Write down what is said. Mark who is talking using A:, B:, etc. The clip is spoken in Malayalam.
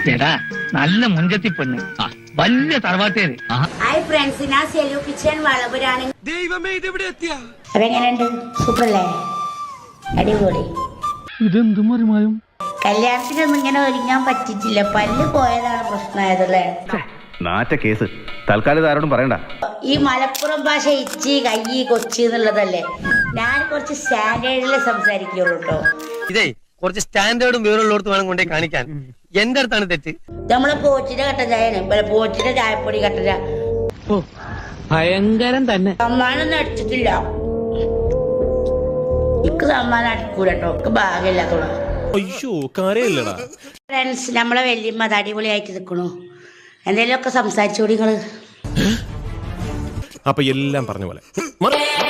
A: എടാ നല്ല മുഞ്ചത്തി പെണ്ണ്, വലിയ തറവാട്ടേര്.
B: ഹായ് ഫ്രണ്ട്സ്, ഞാൻ സെലു കിച്ചൺ വളപുരാണ്.
C: ദൈവമേ, ഇതെവിടെ എത്തിയാ?
B: അപ്പൊ എങ്ങനെയുണ്ട്? സൂപ്പറല്ലേ? അടിപൊളി.
A: ഇതെന്ത് മറിമായും?
B: കല്യാണത്തിനൊന്നും ഇങ്ങനെ ഒരുങ്ങാൻ പറ്റിയിട്ടില്ല. പല്ല് പോയതാണ് പ്രശ്നമായതല്ലേ.
D: നാറ്റ കേസ്. തൽക്കാലം ആരോടും പറയണ്ട.
B: ഈ മലപ്പുറം ഭാഷ ഇച്ചി കയ്യി കൊച്ചി എന്നുള്ളതല്ലേ. ഞാൻ കുറച്ച് സ്റ്റാൻഡേർഡിലെ സംസാരിക്കുള്ളൂ കേട്ടോ.
C: ഇതേ കുറച്ച് സ്റ്റാൻഡേർഡും വേറുള്ളടത്ത് വേണം കൊണ്ടേ കാണിക്കാൻ. എന്റെ അടുത്താണ് തെറ്റ്.
B: നമ്മളെ പോച്ചിന്റെ കട്ടൻ ചായയാണ്, പോച്ചിന്റെ ചായപ്പൊടി കട്ടൻ ചായ.
A: ഭയങ്കരം തന്നെ.
B: സമ്മാനൊന്നും അടിച്ചിട്ടില്ല. എനിക്ക് സമ്മാനം അടിക്കൂല കേട്ടോ, എനിക്ക് ഭാഗ്യമില്ലാത്തോളൂ. ഫ്രണ്ട്സ്, നമ്മളെ വല്യമ്മ അത് അടിപൊളിയായിട്ട് നിൽക്കണു. എന്തെങ്കിലുമൊക്കെ സംസാരിച്ചോടി നിങ്ങള്.
E: അപ്പൊ എല്ലാം പറഞ്ഞ പോലെ